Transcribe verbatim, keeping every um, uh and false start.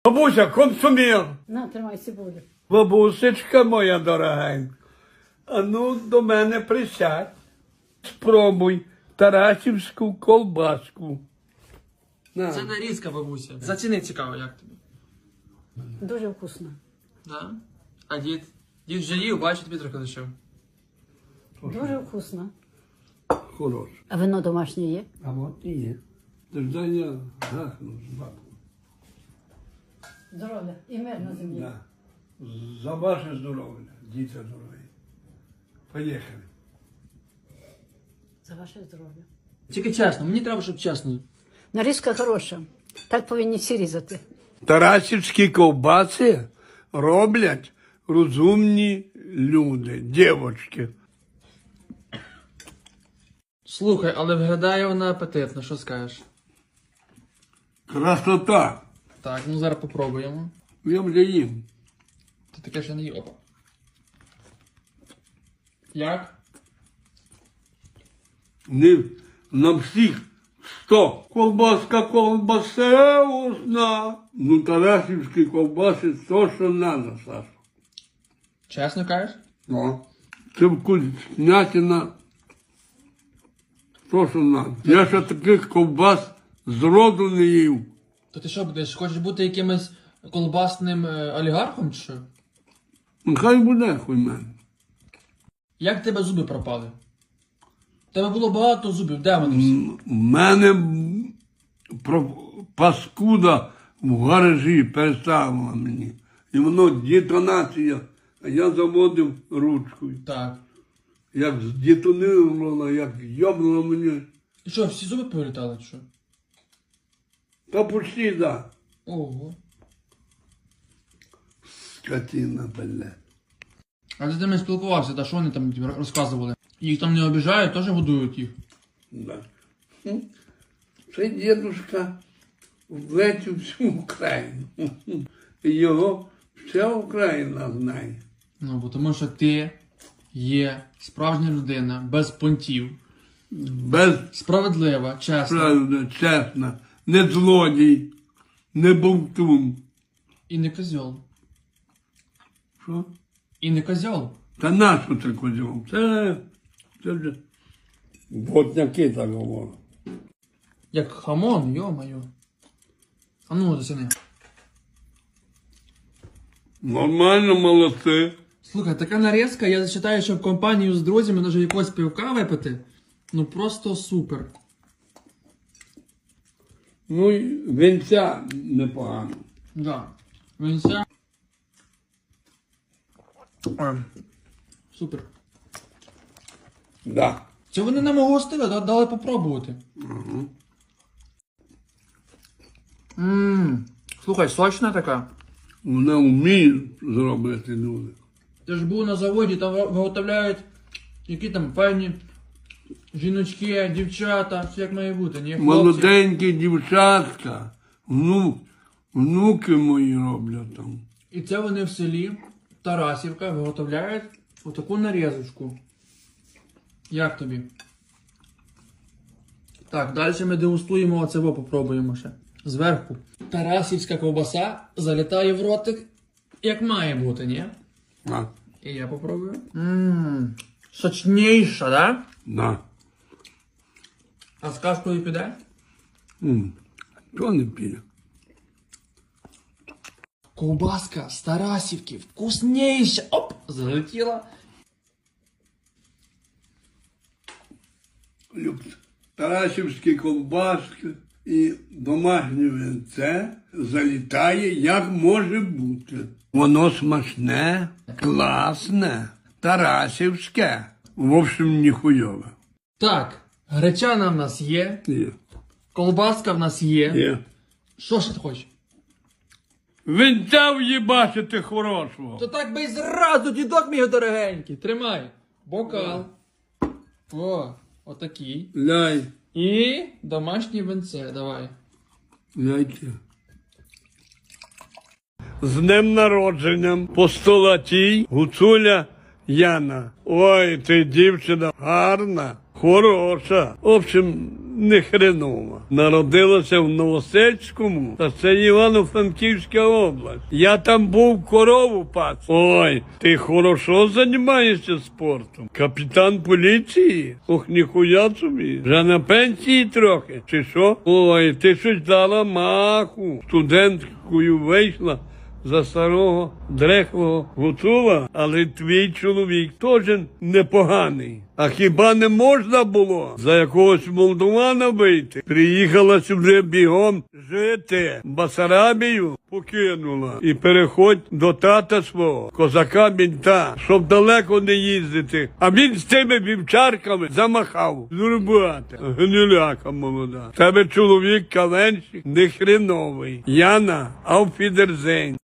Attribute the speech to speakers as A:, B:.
A: Бабуся, консумір.
B: На, тримай цибулю.
A: Бабусечка моя дорогенька, а ну до мене присядь. Спробуй тарасівську колбаску. На.
C: Це нарізка, бабуся. Заціни цікаво, як тобі.
B: Дуже вкусно.
C: Да? А дід? Дід вже їв, бачить, тобі трохи лишив.
B: Дуже вкусно.
A: Хорош.
B: А вино домашнє є?
A: А от і є. Тож я гахну з бабою.
B: Здоров'я і мир на землі.
A: Да. За ваше здоров'я, діти дорогі. Поїхали.
B: За ваше здоров'я.
C: Тільки чесно, мені треба, щоб чесно.
B: Нарізка хороша. Так повинні всі різати.
A: Тарасівські ковбаси роблять розумні люди, дівчатки.
C: Слухай, але виглядає вона апетитно, що скажеш?
A: Красота.
C: Так, ну зараз попробуємо.
A: Я вже їм.
C: Ти таке ще не їв. Опа. Як?
A: Не, на всіх сто. Колбаска колбасеусна. Ну, тарасівські ковбаси то, що надо, Саша.
C: Чесно кажеш?
A: Ну. Це вкуснятина. То, що надо. Я ще таких ковбас зроду не їв.
C: То ти що будеш? Хочеш бути якимось колбасним е, олігархом чи що?
A: Нехай буде хуй мене.
C: Як в тебе зуби пропали? В тебе було багато зубів, де вони всі?
A: У мене про- паскуда в гаражі переставила мені. І воно детонація. А я заводив ручкою.
C: Так.
A: Як здетонувало, як йобнуло мені.
C: І що, всі зуби повилітали чи що?
A: Та почти, да.
C: Ого.
A: Скотина, блядь.
C: А ти з ними спілкувався, та що вони там тобі розказували? Їх там не обіжають, теж годують їх.
A: Да. Хм. Це дідушка влетів всю Україну. І його вся Україна знає.
C: Ну, бо тому що ти є справжня людина, без понтів,
A: Без
C: справедлива, чесна
A: правди, чесно, не злодій, не бовтун.
C: і не козьол.
A: Що?
C: І не козьол.
A: Та нащо це козьом? Це, це вже ботняки так говорять.
C: Як хамон, йо-моє. А ну, засіни.
A: Нормально, молодці.
C: Слухай, така нарізка, я вважаю, що в компанію з друзями може якось пивка випити. Ну просто супер.
A: Ну, і вінця непогано.
C: Да. Вінця. Ой. Супер.
A: Да.
C: Це вони нам гостили, да- дали попробувати.
A: Угу.
C: Ммм. Слухай, сочна така.
A: Вона вміє зробити люди.
C: Ти ж був на заводі, там виготовляють які там файні жіночки, дівчата, все як має бути, ні? Хлопці.
A: Молоденькі дівчатка, внук, внуки мої роблять там.
C: І це вони в селі Тарасівка виготовляють отаку нарізочку. Як тобі? Так, далі ми дегустуємо оцево, попробуємо ще. Зверху. Тарасівська ковбаса залітає в ротик, як має бути, ні?
A: А,
C: І я попробую. Ммм, сочніша, да?
A: да.
C: А з кашкою піде?
A: М, То не піде.
C: Ковбаска з Тарасівки, вкусніша. Оп, залетіла.
A: Люблю. Тарасівські колбаски і домашнє винце залітає, як може бути. Воно смачне, класне, тарасівське. В общем, ніхуйове.
C: Так, гречана в нас є,
A: Є.
C: колбаска в нас є.
A: Є.
C: Що ж ти хочеш?
A: Винця в'їбачити хорошого.
C: То так би й зразу, дідок мій дорогенький. Тримай. Бокал. О, отакий.
A: Ляй,
C: І домашнє винце, давай.
A: ляйте. З днем народженням постолатій Гуцуля Яна. Ой, ти дівчина гарна, хороша. В общем, не хренова. Народилася в Новосельському, та це Івано-Франківська область. Я там був корову пас. Ой, ти хорошо займаєшся спортом. Капітан поліції? Ох, ніхуя собі. Вже на пенсії трохи, чи що? Ой, ти щось дала маху. Студенткою вийшла за старого дрехлого гуцула, але твій чоловік теж непоганий. А хіба не можна було за якогось молдована вийти? Приїхала сюди бігом жити. Басарабію покинула. І переходь до тата свого, козака-мінта, щоб далеко не їздити. А він з цими вівчарками замахав. Зурбата, гниляка молода. Тебе чоловік каленщик не хреновий. Яна, ауфідерзейн.